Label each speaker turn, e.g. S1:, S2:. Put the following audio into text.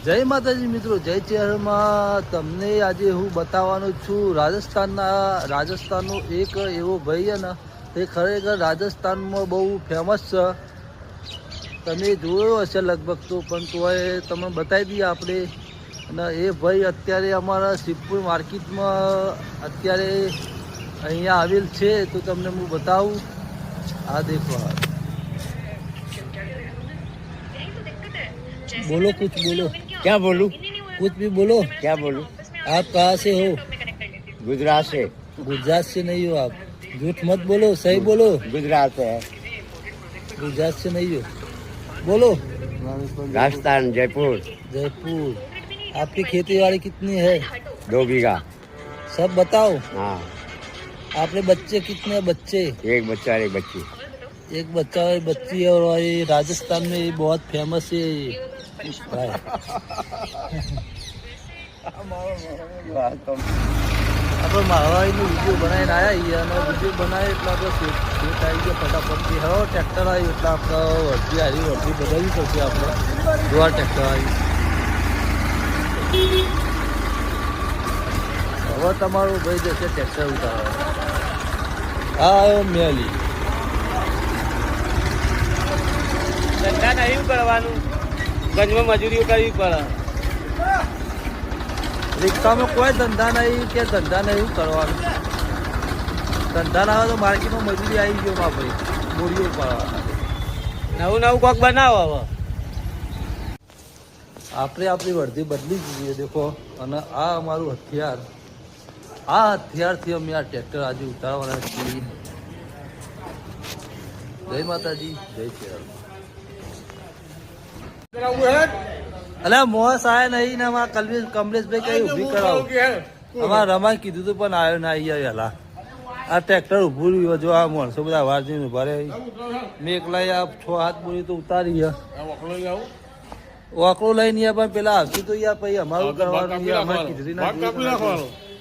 S1: જય માતાજી મિત્રો, જય ચેહરમાં તમને આજે હું બતાવવાનો છું રાજસ્થાનનો એક એવો ભાઈ છે ને, તે ખરેખર રાજસ્થાનમાં બહુ ફેમસ છે. તમે જોયો હશે લગભગ તો, પણ તોય તમે બતાવી દઈએ આપણે. અને એ ભાઈ અત્યારે અમારા શિવપુર માર્કેટમાં અત્યારે અહીંયા આવેલ છે, તો તમને હું બતાવું. આ દેખો, बोलो कुछ बोलो.
S2: क्या बोलूं?
S1: कुछ भी बोलो.
S2: क्या बोलूं?
S1: आप कहाँ से हो?
S2: गुजरात से.
S1: गुजरात से नहीं हो आप, झूठ मत बोलो, सही बोलो.
S2: गुजरात से है.
S1: गुजरात से नहीं हो, बोलो.
S2: राजस्थान, जयपुर.
S1: जयपुर. आपकी खेती बाड़ी कितनी है?
S2: 2 बीघा.
S1: सब बताओ.
S2: हाँ,
S1: आपने बच्चे कितने बच्चे?
S2: एक बच्चा और एक बच्ची.
S1: एक बच्चा और एक बच्ची है. और ये राजस्थान में ये बहुत फेमस है भाई. આપણે મારવાડીનો વિડીયો બનાવીને આવ્યા છીએ, અને વિડીયો બનાવે એટલે આપણે શેઠ આવી ગયા ફટાફટથી. હવે ટ્રેક્ટર આવ્યું એટલે આપણે વર્ધી બદલવી પડશે. આપણે જોવા ટ્રેક્ટર આવ્યું. હવે તમારું ભાઈ જશે ટ્રેક્ટર ઉતારવા. હા, આવ્યો મેલી.
S2: ધંધા નહીં કરવાનું, ગંજમાં મજૂરીઓ કરવી પડે.
S1: રિક્ષામાં કોઈ ધંધા નહીં કે ધંધા નહીં કરવાનું. ધંધા ના હોય તો માર્કેટમાં મજૂરી આવી ગયો માં ભાઈ, બોરીઓ પાડવા.
S2: નવું કોક બનાવો. હવે
S1: આપણે આપણી વર્ધી બદલી દીધી દેખો. અને આ અમારું હથિયાર, આ હથિયારથી અમે આ ટ્રેક્ટર આજે ઉતારવાના છીએ. જય માતાજી, જય શ્રી. અલ્યા મોસ આયા નહીં ને અમારા કમલેશભાઈ કઈ ઊભી કરાવો. અમારા રમાય કીધું તું પણ આવ્યો ના અહીંયા વહેલા. આ ટ્રેક્ટર ઊભું રહ્યું. જો આ માણસો બધા વાર જઈને ઉભા રહે. મેં એકલા આ 6 હાથ બોરી તો ઉતારી ગયા. વાકડો લઈને પણ પેલા આવતી તો યાર પછી અમારું કરવાનું. અમારે કીધું ના